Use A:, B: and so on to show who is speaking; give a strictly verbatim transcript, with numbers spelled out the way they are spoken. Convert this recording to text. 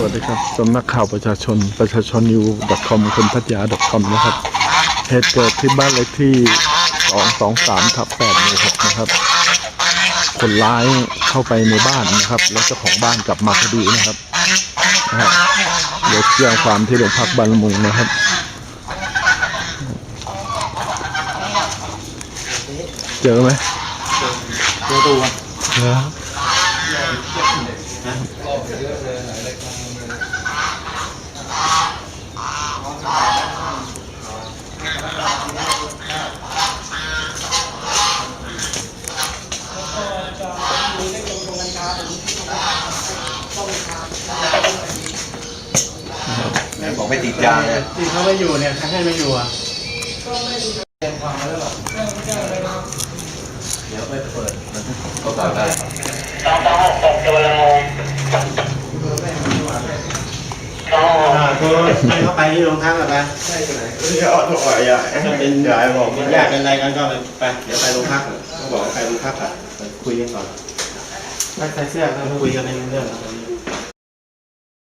A: วัสดีครับสำนักข่าวประชาชนประชาชนนิว .com คนพัทยา .com นะครับเหตุเกิดที่บ้านเลขที่สองสองสามทับแปดหมู่หกนะครับคนร้ายเข้าไปในบ้านนะครับแล้วเจ้าของบ้านกลับมาพอดีนะครับนะฮะเดี๋ยวแจ้งความที่โรงพักบางละมุงนะครับเจอไหม
B: เจอตัว
A: นะ
B: บอกไม่ติดยาเนี่ยที่เขาไม่อยู่เนี่ยให้ไม่อยู่อ่ะเดี๋ยวไปเปิดก็ต่อได้สองสองหกหกตัวละมุงตัวให้เขาไปที่โรงพักกันไปใช่ไหมที่เขาถอยอ่ะถ้าเป็นยายบอกเป็นญาติเป็นอะไรกันก็ไปเดี๋ยวไปโรงพักเขาบอกไปโรงพักอ่ะคุยกันก่อนไม่ใส่เสื้อเขาคุยกันในเรื่อง